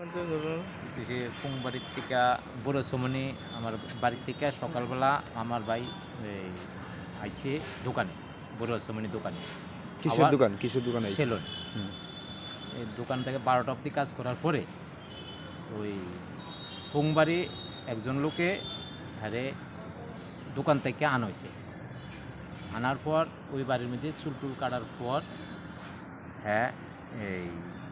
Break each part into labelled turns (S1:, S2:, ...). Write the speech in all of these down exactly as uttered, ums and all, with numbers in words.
S1: যে ফুং বাড়ির থেকে বড় সমনি আমার বাড়ির থেকে সকালবেলা আমার ভাই এই আইসে দোকানে বড় সমনি দোকানে
S2: কিসের দোকান কিসের দোকান
S1: সেলুন এই দোকান থেকে বারোটা অবধি কাজ করার পরে ওই ফুংবাড়ি একজন লোকে হারে দোকান থেকে আনা হয়েছে আনার পর ওই বাড়ির মধ্যে চুল টুল কাটার পর হ্যাঁ এই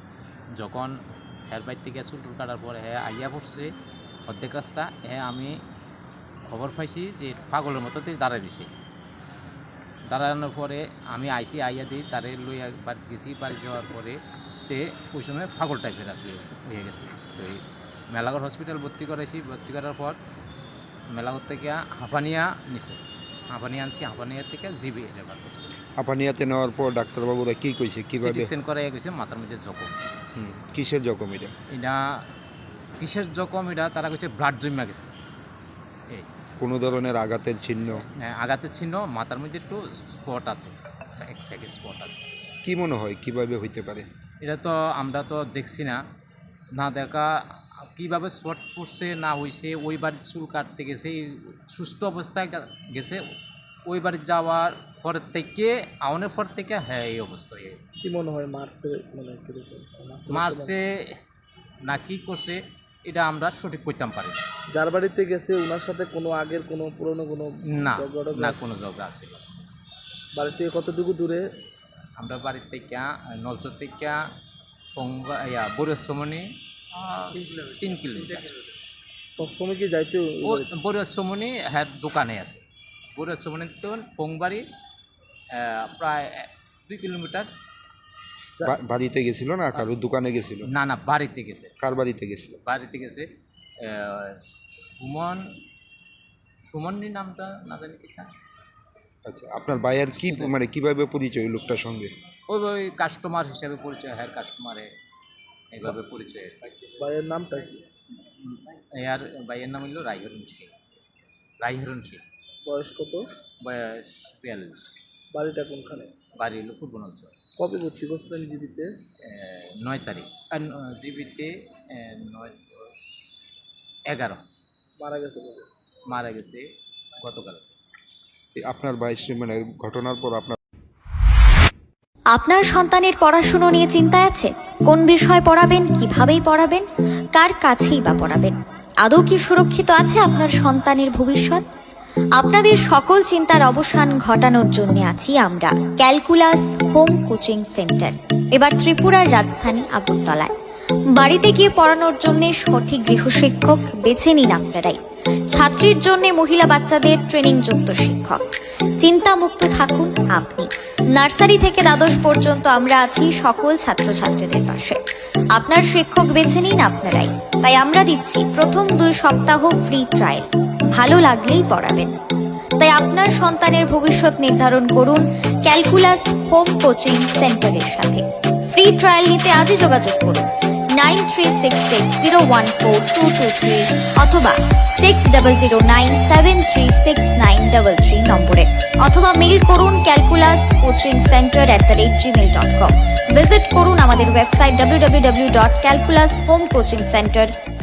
S1: যখন হ্যার বাইর থেকে চুল টুল কাটার পর হ্যাঁ আইয়া পড়ছে অর্ধেক রাস্তা হ্যাঁ আমি খবর পাইছি যে পাগলের মতো দাঁড়ায় দিছে দাঁড়ানোর পরে আমি আইসি আইয়া দিই তারে লইয়া বাড়ি গেছি বাড়ি যাওয়ার পরে তে ওই সময় পাগল টাইপের আসলে হয়ে গেছে তো এই মেলাঘর হসপিটাল ভর্তি করাইছি ভর্তি করার পর মেলাঘর থেকে হাঁপানিয়া নিছে হাঁপানিয়া আনছি হাঁপানিয়া থেকে জিবি রেফার করছে
S2: হাঁপানিয়াতে নেওয়ার পর ডাক্তারবাবুরা কি কইছে কিভাবে
S1: সিটিসেন করাই গেছে মাথার মধ্যে জখম
S2: কিসের জখম এটা
S1: এটা কিসের জখম এটা তারা কইছে ব্লাড জমা গেছে এই
S2: কোনো ধরনের আঘাতের চিহ্ন
S1: আঘাতের চিহ্ন মাথার মধ্যে একটু স্পট আছে এক সাইডে স্পট আছে
S2: কি মনে হয় কিভাবে হইতে পারে
S1: এটা তো আমরা তো দেখছি না না দেখা কীভাবে স্পট পড়ছে না হয়েছে ওই বাড়ির চুল কাটতে গেছে সুস্থ অবস্থায় গেছে ওই বাড়ি যাওয়ার পর থেকে আউনের পর থেকে হ্যাঁ এই অবস্থা হয়ে গেছে
S3: কি মনে হয় মার্চে মানে
S1: মার্চে না কি করছে এটা আমরা সঠিক করতাম পারি
S3: যার বাড়িতে গেছে ওনার সাথে কোনো আগের কোনো পুরনো কোনো
S1: না না কোনো ঝগড়া আছে
S3: বাড়ি থেকে কতটুকু দূরে
S1: আমরা বাড়ির থেকে নলচর থেকে ফংবা ইয়া বরেশ্বমনি তিন কিলোমিটার
S3: সবসময় কি যাইতে
S1: বরেশ্বমনি হ্যাঁ দোকানে আছে বরেশ্বমনি তো ফংবাড়ি প্রায় দুই কিলোমিটার
S2: বাড়িতে গেছিল না কারোর দোকানে গেছিল
S1: না না বাড়িতে গেছে
S2: কার বাড়িতে গেছিল
S1: বাড়িতে গেছে সুমন সুমননি নামটা না জানি কি
S2: আচ্ছা আপনার ভাইয়ের কি মানে কিভাবে পরিচয় লোকটার সঙ্গে
S1: ওই ওই কাস্টমার হিসাবে পরিচয় হ্যাঁ কাস্টমারে এইভাবে পরিচয়
S3: ভাইয়ের নামটা কি
S1: আর ভাইয়ের নাম হইল রাইহরণ সিং রাইহরণ সিং
S3: বয়স কত
S1: বয়স বিয়াল্লিশ
S3: বাড়িটা কোনখানে
S1: বাড়ি হলো ফুটবল অঞ্চল
S3: কবে ভর্তি করছিলেন জিবিতে
S1: নয় তারিখ আর জিবিতে নয় দশ এগারো
S3: মারা গেছে কবে
S1: মারা গেছে গতকাল
S2: আপনার বয়স মানে ঘটনার পর আপনার
S4: আপনার সন্তানের পড়াশুনো নিয়ে চিন্তায় আছে কোন বিষয় পড়াবেন কিভাবেই পড়াবেন কার কাছেই বা পড়াবেন আদৌ কি সুরক্ষিত আছে আপনার সন্তানের ভবিষ্যৎ আপনাদের সকল চিন্তার অবসান ঘটানোর জন্য আছি আমরা ক্যালকুলাস হোম কোচিং সেন্টার এবার ত্রিপুরার রাজধানী আগরতলায় বাড়িতে গিয়ে পড়ানোর জন্য সঠিক গৃহশিক্ষক বেছে নিন আপনারাই ছাত্রীর জন্য মহিলা বাচ্চাদের ট্রেনিং যুক্ত শিক্ষক চিন্তামুক্ত থাকুন আপনি নার্সারি থেকে দ্বাদশ পর্যন্ত আমরা আছি সকল ছাত্রছাত্রীদের পাশে আপনার শিক্ষক বেছে নিন আপনারাই তাই আমরা দিচ্ছি প্রথম দুই সপ্তাহ ফ্রি ট্রায়াল ভালো লাগলেই পড়াবেন তাই আপনার সন্তানের ভবিষ্যৎ নির্ধারণ করুন ক্যালকুলাস হোম কোচিং সেন্টারের সাথে ফ্রি ট্রায়াল নিতে আজই যোগাযোগ করুন nine three six six zero one four two two three অথবা six double zero nine seven three six nine double three নম্বরে অথবা মেইল করুন calculus coaching centre at the rate Gmail dot com visit করুন আমাদের website W W W dot calculus home coaching centre